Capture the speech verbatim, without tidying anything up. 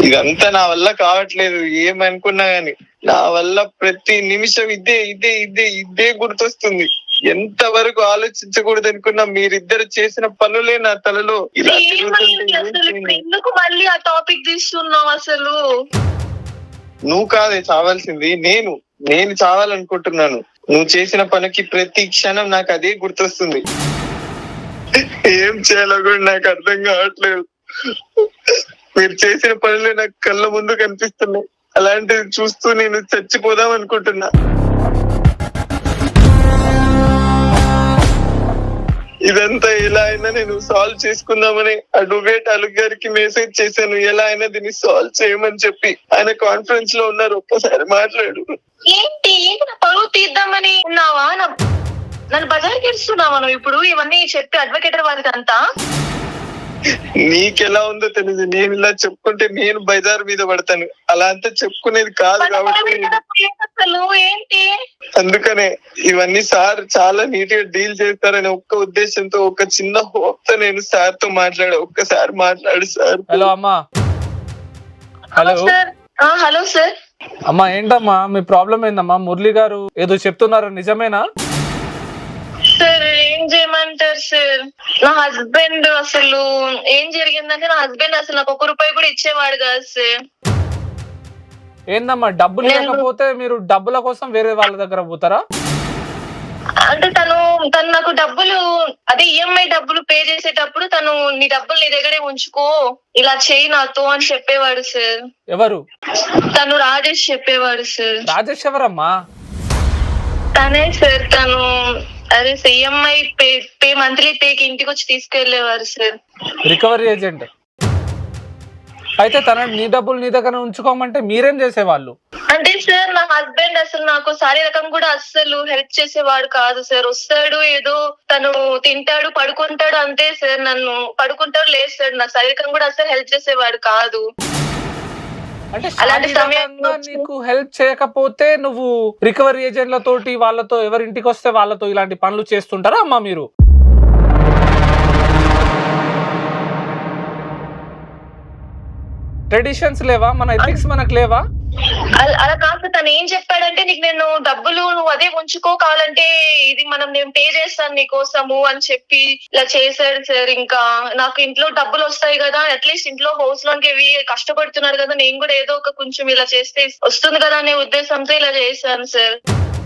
ఇదంతా నా వల్ల కావట్లేదు. ఏమనుకున్నా గాని నా వల్ల ప్రతి నిమిషం ఇదే ఇదే ఇదే ఇదే గుర్తొస్తుంది. ఎంత వరకు ఆలోచించకూడదు అనుకున్నా మీరిద్దరు చేసిన పనులే నా తలలో ఇలా ఎందుకు మళ్ళీ ఆ టాపిక్ తీస్తున్నావు? అసలు నువ్వు కాదే చావాల్సింది, నేను నేను చావాలనుకుంటున్నాను. నువ్వు చేసిన పనికి ప్రతి క్షణం నాకు అదే గుర్తొస్తుంది. ఏం చేయాలో కూడా నాకు అర్థం కావట్లేదు. మీరు చేసిన పనులే నాకు కళ్ళ ముందు కనిపిస్తున్నాయి. అలాంటిది చూస్తూ నేను చచ్చిపోదాం అనుకుంటున్నా. ఇదంతా ఎలా అయినా నేను సాల్వ్ చేసుకుందామని అడ్వకేట్ అలుగ్ గారికి మెసేజ్ చేశాను. ఎలా అయినా దీన్ని సాల్వ్ చేయమని చెప్పి. ఆయన కాన్ఫరెన్స్ లో ఉన్నారు, ఒక్కసారి మాట్లాడు. ఏంటి ఏంటి నా పరువు తీద్దామని ఉన్నావా? నన్ను బజార్కి ఇస్తున్నావా నువ్వు ఇప్పుడు ఇవన్నీ చెప్పి అడ్వకేటర్ వారికి అంతా? నీకెలా ఉందో తెలియదు. నేను ఇలా చెప్పుకుంటే నేను బజార్ మీద పడతాను. అలా అంతా చెప్పుకునేది కాదు కాబట్టి ఏంటి అందుకనే ఇవన్నీ సార్ చాలా నీట్ గా డీల్ చేస్తారనే ఒక్క ఉద్దేశంతో ఒక చిన్న హోప్ తో నేను సార్ తో మాట్లాడా. ఒక్కసారి మాట్లాడు సార్. హలో అమ్మా. Hello hello sir. అమ్మా ఏంటమ్మా మీ ప్రాబ్లం ఏందమ్మా? మురళి గారు ఏదో చెప్తున్నారు, నిజమేనా? సార్ ఏం చేయమంటారు సార్? నా హస్బెండ్ అసలు ఏం జరిగిందంటే నా హస్బెండ్ అసలు నాకు ఒక రూపాయి కూడా ఇచ్చేవాడు కాదు సార్. ఏందమ్మా డబ్బులు లేకపోతే మీరు డబ్బుల కోసం వేరే వాళ్ళ దగ్గర పోతారా? అంటే తను తను నాకు డబ్బులు అదే ఈఎంఐ డబ్బులు పే చేసేటప్పుడు తను నీ డబ్బులు నీ దగ్గరే ఉంచుకో, ఇలా చేయి నాతో అని చెప్పేవాడు సార్. ఎవరు? తను రాజేష్ చెప్పేవాడు సార్. రాజేష్ ఎవరమ్మా? తనే సార్. తను అదే ఈఎంఐ పే పే మంత్లీ పేకి ఇంటికి వచ్చి తీసుకెళ్లేవారు సార్. Recovery agent. అయితే తన నీ డబ్బులు నీ దగ్గర ఉంచుకోమంటే మీరేం చేసేవాళ్ళు? అంటే సార్ నా హస్బెండ్ అసలు నాకు శారీరకం కూడా అస్సలు హెల్ప్ చేసేవాడు కాదు సార్. వస్తాడు ఏదో తను తింటాడు పడుకుంటాడు అంతే సార్. నన్ను పడుకుంటాడు లేదు సార్. నా శారీరకం కూడా అసలు హెల్ప్ చేసేవాడు కాదు. అంటే శారీరకంగా నీకు హెల్ప్ చేయకపోతే నువ్వు రికవరీ ఏజెంట్ల తోటి వాళ్ళతో ఎవరింటికి వస్తే వాళ్ళతో ఇలాంటి పనులు చేస్తుంటారా అమ్మా మీరు? ట్రెడిషన్స్ లేవా? మన ఎథిక్స్ మనకు లేవా? అలా కాదు. తను ఏం చెప్పాడంటే నీకు నేను డబ్బులు నువ్వు అదే ఉంచుకో, కావాలంటే ఇది మనం నేను పే చేస్తాను నీ కోసము అని చెప్పి ఇలా చేశాడు సార్. ఇంకా నాకు ఇంట్లో డబ్బులు వస్తాయి కదా, అట్లీస్ట్ ఇంట్లో హౌస్ లోన్కి ఇవి కష్టపడుతున్నారు కదా, నేను కూడా ఏదో ఒక కొంచెం ఇలా చేస్తే వస్తుంది కదా అనే ఉద్దేశంతో ఇలా చేశాను సార్.